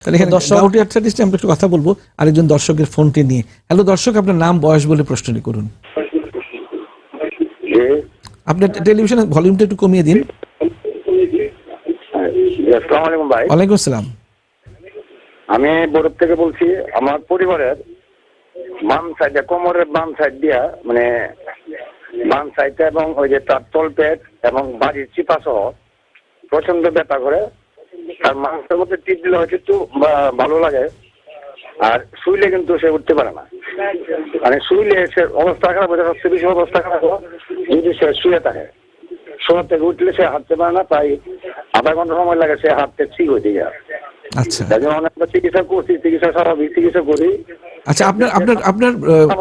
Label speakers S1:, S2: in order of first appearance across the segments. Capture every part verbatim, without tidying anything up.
S1: তাহলে এখানে gouty arthritis নিয়ে আমরা একটু কথা বলবো আরেকজন দর্শকের ফোনটি নিয়ে। হ্যালো দর্শক, আপনার নাম বয়স বলে প্রশ্নটি করুন। আপনার টেলিভিশনের ভলিউমটা একটু কমিয়ে দিন।
S2: আসসালামু আলাইকুম ভাই।
S1: ওয়ালাইকুম আসসালাম।
S2: আমি বরফ থেকে বলছি। আমার পরিবারের বাম সাইডে, কোমরের বাম সাইড দিয়া, মানে বাম সাইডে এবং ওই যে তার তলপেট এবং বাড়ির চিপা সহ প্রচন্ড ব্যথা করে। আর মাংসের মধ্যে টিপ দিলে হয়তো একটু ভালো লাগে, আর শুইলে কিন্তু সে উঠতে পারে না। মানে শুইলে সে অবস্থা খারাপ হয়ে যায়, সবচেয়ে বেশি অবস্থা খারাপ হয় যদি সে শুয়ে থাকে। শোয়া থেকে উঠলে সে হাঁটতে পারে না, প্রায় আধা ঘন্টা সময় লাগে সে হাঁটতে ঠিক হয়ে যায়।
S1: আচ্ছা,
S2: অনেকটা চিকিৎসা করছি, চিকিৎসা স্বাভাবিক চিকিৎসা করি।
S1: আচ্ছা, আপনার আপনার আপনার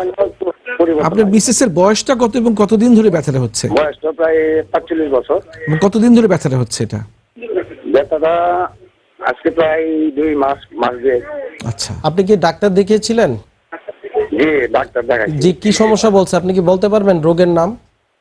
S1: আপনার মিসেস এর বয়সটা কত এবং কতদিন ধরে ব্যথাটা হচ্ছে?
S2: বয়সটা প্রায় পাঁচচল্লিশ বছর।
S1: কতদিন ধরে ব্যথাটা হচ্ছে এটা?
S2: ব্যথাটা আজকে প্রায় দুই মাস মাস দেড়।
S1: আচ্ছা,
S3: আপনি কি ডাক্তার দেখিয়েছিলেন?
S2: জি, ডাক্তার দেখাচ্ছি।
S3: জি, কি সমস্যা বলছে আপনি কি বলতে পারবেন রোগের নাম?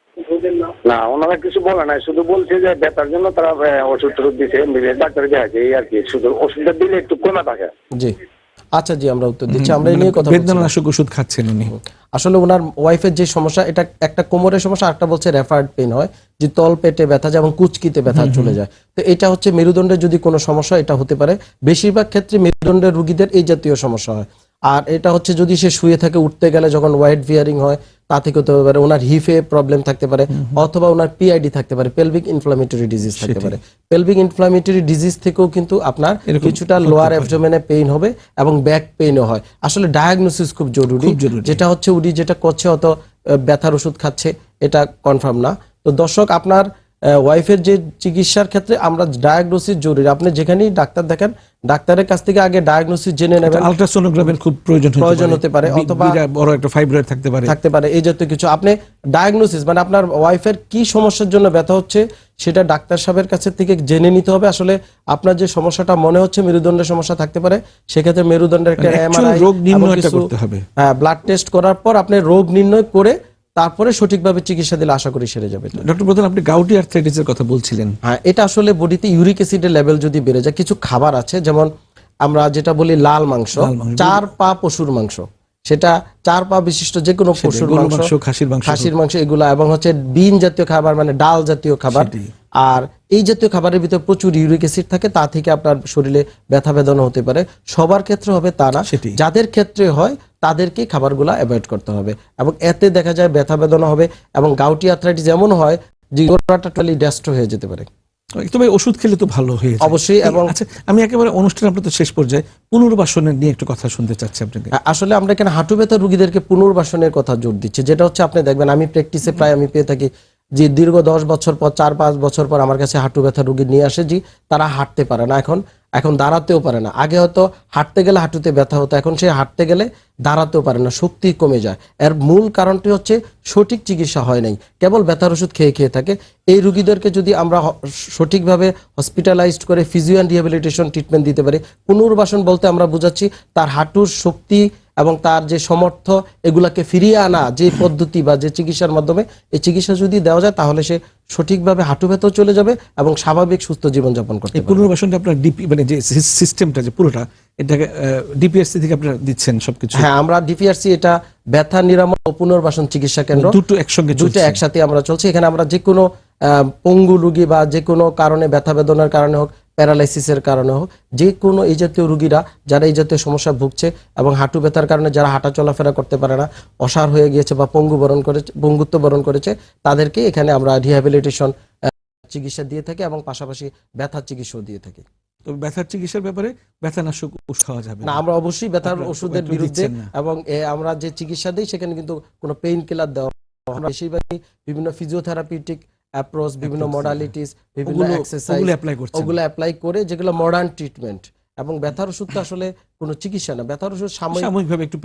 S2: না, ওনারা কিছু বলে নাই, শুধু বলছে যে ব্যথার জন্য তারা ওষুধ টষুধ দিচ্ছে, ডাক্তার দেখাচ্ছে, এই আর কি। শুধু ওষুধটা দিলে একটু কমে থাকে।
S3: জি, আচ্ছা, জি, আমরা উত্তর দিচ্ছি। আমরা এই নিয়ে কথা বলছি।
S1: বেদনানাশক ওষুধ খাচ্ছেন উনি।
S3: আসলে ওনার ওয়াইফের যে সমস্যা, এটা একটা কোমরের সমস্যা, একটা বলছে রেফার্ড পেইন হয়, যে তল পেটে ব্যথা যায় এবং কুচকিতে ব্যথা চলে যায়। তো এটা হচ্ছে মেরুদণ্ডের যদি কোনো সমস্যা এটা হতে পারে। বেশিরভাগ ক্ষেত্রে মেরুদণ্ডের রোগীদের এই জাতীয় সমস্যা হয়। আর এটা হচ্ছে যদি সে শুয়ে থাকে, উঠতে গেলে যখন ওয়াইড ভিয়ারিং হয় তা থেকে হতে পারে। ওনার হিফে প্রবলেম থাকতে পারে, অথবা ওনার পিআইডি থাকতে পারে, পেলভিক ইনফ্লামেটরি ডিজিজ থাকতে পারে। পেলভিক ইনফ্লামেটরি ডিজিজ থেকেও কিন্তু আপনার কিছুটা লোয়ার অ্যাবডোমেনে পেইন হবে এবং ব্যাক পেইনও হয়। আসলে ডায়াগনোসিস খুব জরুরি। যেটা হচ্ছে উনি যেটা করছে অত ব্যথার ওষুধ খাচ্ছে এটা কনফার্ম না। তো দর্শক, আপনার ওয়াইফের যে চিকিৎসার ক্ষেত্রে আমরা ডায়াগনোসিস জরুরি। আপনি যেখানেই ডাক্তার দেখেন, ডাক্তারের কাছ থেকে আগে ডায়াগনোসিস জেনে নেবেন।
S1: আলট্রাসোনোগ্রামের খুব প্রয়োজন
S3: প্রয়োজন হতে পারে, অথবা
S1: বড় একটা ফাইব্রয়েড থাকতে পারে
S3: থাকতে পারে এই জাতীয় কিছু। আপনি ডায়াগনোসিস মানে আপনার ওয়াইফের কি সমস্যার জন্য ব্যথা হচ্ছে সেটা ডাক্তার সাহেবের কাছে থেকে জেনে নিতে হবে। আসলে আপনার যে সমস্যাটা মনে হচ্ছে মেরুদণ্ডের সমস্যা থাকতে পারে, সেক্ষেত্রে মেরুদণ্ডের একটা এমআরআই,
S1: রোগ নির্ণয়টা করতে হবে।
S3: হ্যাঁ, ব্লাড টেস্ট করার পর আপনি রোগ নির্ণয় করে তারপরে সঠিকভাবে চিকিৎসা দিলে আশা করি সেরে যাবে।
S1: ডক্টর প্রধান, আপনি গাউটি আর্থ্রাইটিসের কথা বলছিলেন।
S3: হ্যাঁ, এটা আসলে বডিতে ইউরিক অ্যাসিডের লেভেল যদি বেড়ে যায়, কিছু খাবার আছে যেমন আমরা যেটা বলি লাল মাংস, চার পা পশুর মাংস, সেটা চার পা বিশিষ্ট যে কোনো পশুর মাংস,
S1: খাসির মাংস,
S3: খাসির মাংস এগুলা, এবং হচ্ছে বিন জাতীয় খাবার মানে ডাল জাতীয় খাবার। আর এই জাতীয় খাবারের ভিতরে প্রচুর ইউরিক অ্যাসিড থাকে, তা থেকে আপনার শরীরে ব্যথা বেদনা হতে পারে। সবার ক্ষেত্রে হবে তা না, যাদের ক্ষেত্রে হয় তাদেরকে খাবারগুলো অ্যাভয়েড করতে হবে, এবং এতে দেখা যায় ব্যথা বেদনা হবে। এবং গাউটি আর্থ্রাইটিস এমন হয় যে গোড়াটা টোটালি ডেস্ট্রয় হয়ে যেতে পারে।
S1: তবে ওষুধ খেলে তো ভালো হয়ে যায়
S3: অবশ্যই। এবং
S1: আচ্ছা, আমি একেবারে অনুষ্ঠান আপনাদের শেষ পর্যায়ে পুনর্বাসনের নিয়ে একটু কথা শুনতে চাচ্ছি আপনাকে।
S3: আসলে আমরা এখানে হাঁটু ব্যথা রোগীদেরকে পুনর্বাসনের কথা জোর দিচ্ছি। যেটা হচ্ছে আপনি দেখবেন, আমি প্র্যাকটিসে প্রায় আমি পেয়ে থাকি যে দীর্ঘ দশ বছর পর, চার পাঁচ বছর পর আমার কাছে হাঁটু ব্যথা রোগী নিয়ে আসে যে তারা হাঁটতে পারে না, এখন এখন দাঁড়াতেও পারে না। আগে হয়তো হাঁটতে গেলে হাঁটুতে ব্যথা হতো, এখন সে হাঁটতে গেলে দাঁড়াতেও পারে না, শক্তি কমে যায়। এর মূল কারণটি হচ্ছে সঠিক চিকিৎসা হয় নাই, কেবল ব্যথার ওষুধ খেয়ে খেয়ে থাকে। এই রোগীদেরকে যদি আমরা সঠিকভাবে হসপিটালাইজড করে ফিজিও অ্যান্ড রিহ্যাবিলিটেশন ট্রিটমেন্ট দিতে পারি। পুনর্বাসন বলতে আমরা বুঝাচ্ছি তার হাঁটুর শক্তি এবং তার যে সমর্থ এগুলাকে ফিরিয়ে আনা যে পদ্ধতি বা যে চিকিৎসার মাধ্যমে এই চিকিৎসা যদি দেওয়া যায়, তাহলে সে সঠিকভাবে হাঁটু ব্যথাও চলে যাবে এবং স্বাভাবিক সুস্থ জীবনযাপন করতে পারবে।
S1: পুনর্বাসনটা আপনার ডিপি মানে যে সিস্টেমটা যে পুরোটা এটাকে ডিপিআরসি থেকে আপনারা দিচ্ছেন সবকিছু?
S3: হ্যাঁ, আমরা ডিপিআরসি, এটা ব্যথা নিরাময় ও পুনর্বাসন চিকিৎসা কেন্দ্র,
S1: দুটো একসঙ্গে
S3: দুটো একসাথে আমরা চলছে। এখানে আমরা যে কোনো পঙ্গু রোগী বা যে কোনো কারণে ব্যথা বেদনার কারণে হোক, প্যারালাইসিসের কারণে হোক, যে কোনো এই জাতীয় রোগীরা যারা এই জাতীয় সমস্যা ভুগছে এবং হাঁটু ব্যথার কারণে যারা হাঁটা চলাফেরা করতে পারে না, অসার হয়ে গিয়েছে বা পঙ্গু বরণ করেছে, পঙ্গুত্ব বরণ করেছে, তাদেরকে এখানে আমরা রিহ্যাবিলিটেশন চিকিৎসা দিয়ে থাকি এবং পাশাপাশি ব্যথার চিকিৎসাও দিয়ে থাকি।
S1: তো ব্যথার চিকিৎসার ব্যাপারে ব্যথানাশক ওষুধ খাওয়া যাবে
S3: না? আমরা অবশ্যই ব্যথার ওষুধের বিরুদ্ধে, এবং আমরা যে চিকিৎসা দিই সেখানে কিন্তু কোনো পেইন কিলার দেওয়া, আমরা বেশিরভাগই বিভিন্ন ফিজিওথেরাপিউটিক অ্যাপ্রোচ, বিভিন্ন মডালিটিস, বিভিন্ন এক্সারসাইজ ওগুলো অ্যাপ্লাই করে, যেগুলো মডার্ন ট্রিটমেন্ট। এবং ব্যথার ওষুধ তো আসলে কোনো চিকিৎসা না, ব্যথার ওষুধ সাময়িকভাবে একটু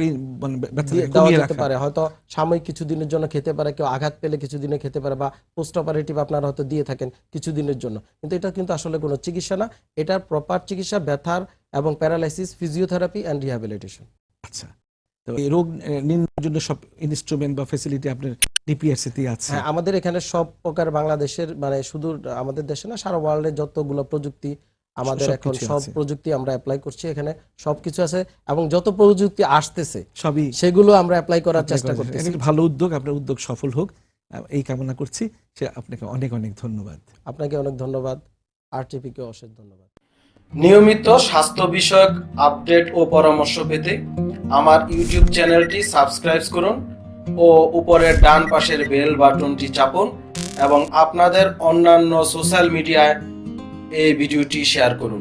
S3: দেওয়া যেতে পারে, হয়তো সাময়িক কিছুদিনের জন্য খেতে পারে, কেউ আঘাত পেলে কিছুদিনে খেতে পারে, বা পোস্ট অপারেটিভ আপনারা হয়তো দিয়ে থাকেন কিছুদিনের জন্য, কিন্তু এটা কিন্তু আসলে কোনো চিকিৎসা না। এটার প্রপার চিকিৎসা ব্যথার এবং প্যারালাইসিস, ফিজিওথেরাপি অ্যান্ড রিহ্যাবিলিটেশন।
S1: আচ্ছা, তো এই রোগ নির্ণয়ের জন্য সব ইনস্ট্রুমেন্ট বা ফ্যাসিলিটি আপনার ডিপিআরসি তে আছে?
S3: হ্যাঁ, আমাদের এখানে সব প্রকার বাংলাদেশের মানে শুধু আমাদের দেশে না, সারা ওয়ার্ল্ডের যতগুলো প্রযুক্তি আমাদের এখন
S1: সবকিছু
S3: সব
S1: আছে।
S3: প্রযুক্তি আমরা অ্যাপ্লাই করছি, এখানে সবকিছু আছে এবং যত প্রযুক্তি আসতেছে
S1: সবই
S3: সেগুলো আমরা অ্যাপ্লাই করার
S1: apply
S3: চেষ্টা
S1: করা যায়।
S3: করতেছি।
S1: এটা একটা ভালো উদ্যোগ, আপনার উদ্যোগ সফল হোক আহ, এই কামনা করছি। সে আপনাকে অনেক অনেক ধন্যবাদ।
S3: আপনাকে অনেক ধন্যবাদ, আরটিপিকে অশেষ ধন্যবাদ। নিয়মিত স্বাস্থ্য বিষয়ক আপডেট ও পরামর্শ পেতে আমার ইউটিউব চ্যানেলটি সাবস্ক্রাইব করুন ও উপরের ডান পাশের বেল বাটনটি চাপুন এবং আপনাদের অন্যান্য সোশ্যাল মিডিয়ায় এই ভিডিওটি শেয়ার করুন।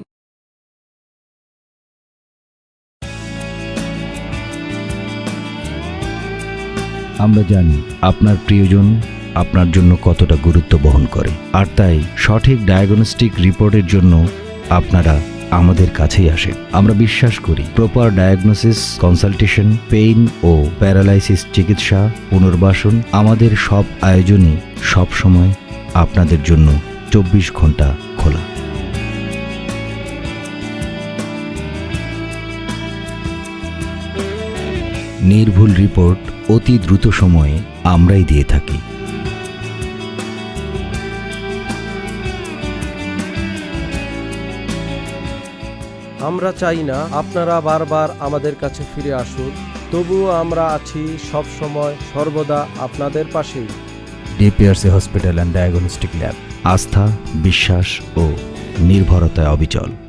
S4: আমরা জানি আপনার প্রিয়জন আপনার জন্য কতটা গুরুত্ব বহন করে, আর তাই সঠিক ডায়াগনস্টিক রিপোর্টের জন্য আপনারা আমাদের কাছেই আসেন। আমরা বিশ্বাস করি প্রপার ডায়াগনোসিস, কনসালটেশন, পেইন ও প্যারালাইসিস চিকিৎসা, পুনর্বাসন, আমাদের সব আয়োজনই সব সময় আপনাদের জন্য চব্বিশ ঘন্টা খোলা। নির্ভুল রিপোর্ট অতি দ্রুত সময়ে আমরাই দিয়ে থাকি।
S3: আমরা চাই না আপনারা বারবার আমাদের কাছে ফিরে আসুন, তবুও আমরা আছি সব সময় সর্বদা আপনাদের পাশেই।
S4: DPRC hospital and diagnostic lab, আস্থা, বিশ্বাস ও নির্ভরতায় অবিচল।